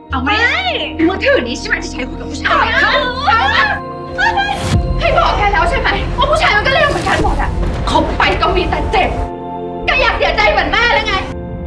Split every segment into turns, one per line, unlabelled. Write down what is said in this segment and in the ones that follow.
เอาไหมมือถือนี้ใช่ไหมที่ใช้คุยกับผู้ชายเอาให้บอกแกแล้วใช่ไหมว่าผู้ชายมันก็เลวเหมือนกันหมดอะคบไปก็มีแต่เจ็บแกอยากเสียใจเหมือนแม่เลยไง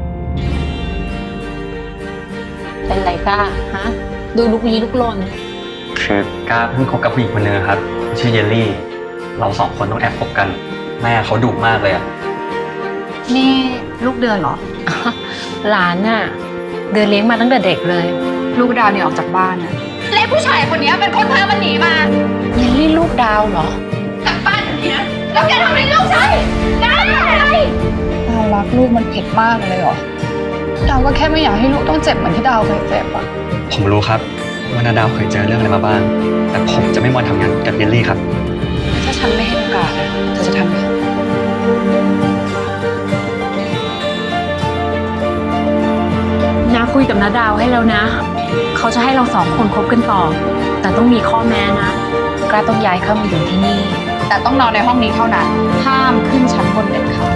เป็นไรก้าฮะดูลุกลี้ลุกลน
คือกล้าเพิ่งคบกับผู้หญิงคนนึงครับชื่อเยลลี่เราสองคนต้องแอบคบกันแม่เขาดุมากเลยอะ
นี่ลูกเดือนเหรอ
หลานน่ะเดือนเลี้ยงมาตั้งแต่เด็กเลย
ลูกดาวเนี่ยออกจากบ้านนะและผู้ชายคนนี้เป็นคนพามันหนีมา
เยลลี่ลูกดาวเหรอ
จากบ้านแบบนี้นะแล้วแกทำอะไรลูกฉันได้อะไรดาวรักลูกมันผิดมากเลยเหรอดาวก็แค่ไม่อยากให้ลูกต้องเจ็บเหมือนที่ดาวเคยเจ็บอะ
ผมรู้ครับว่านาดาวเคยเจอเรื่องอะไรมาบ้างแต่ผมจะไม่มาทำงานกับเยลลี่ครับ
ถ้าฉันไม่ให้โอกาสเธอจะทำไหม
นาคุยกับนาดาวให้แล้วนะเขาจะให้เราสองคนคบกันต่อแต่ต้องมีข้อแม้นะกล้าต้องย้ายเข้ามาอยู่ที่นี่
แต่ต้องนอนในห้องนี้เท่านั้นห้ามขึ้นชั้นบนเด็ดขาด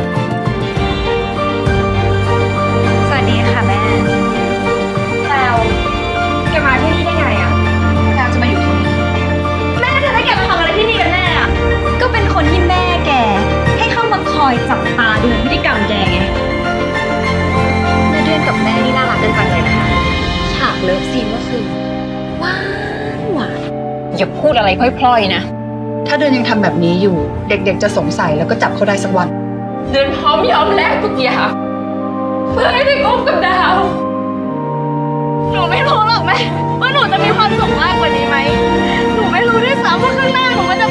สวัสดีค่ะแม่แพลวแกมาที่นี่ได้ไงอะแพลวจะมาอยู่ที่นี่แม่จะให้แกมาทำอะไรที่นี่กันแน่อะ
ก็เป็นคนที่แม่แกให้เข้ามาคอยจับตาดูพฤติกรรมแกไง
แม่เดือนกับแม่นี่น่ารักกันจังเลยนะคะ
ฉากเลิฟซีนก็คือหวานหวาน
อย่าพูดอะไรพล่อยๆนะ
ถ้าเดือนยังทำแบบนี้อยู่เด็กๆจะสงสัยแล้วก็จับเขาได้สักวัน
เดือนพร้อมยอมแลกทุกอย่างเพื่อให้ได้คบกับดาว
หนูไม่รู้หรอกแม่ว่าหนูจะมีความสุขมากกว่านี้ไหมหนูไม่รู้ด้วยซ้ำว่าข้างหน้าหนูมันจะ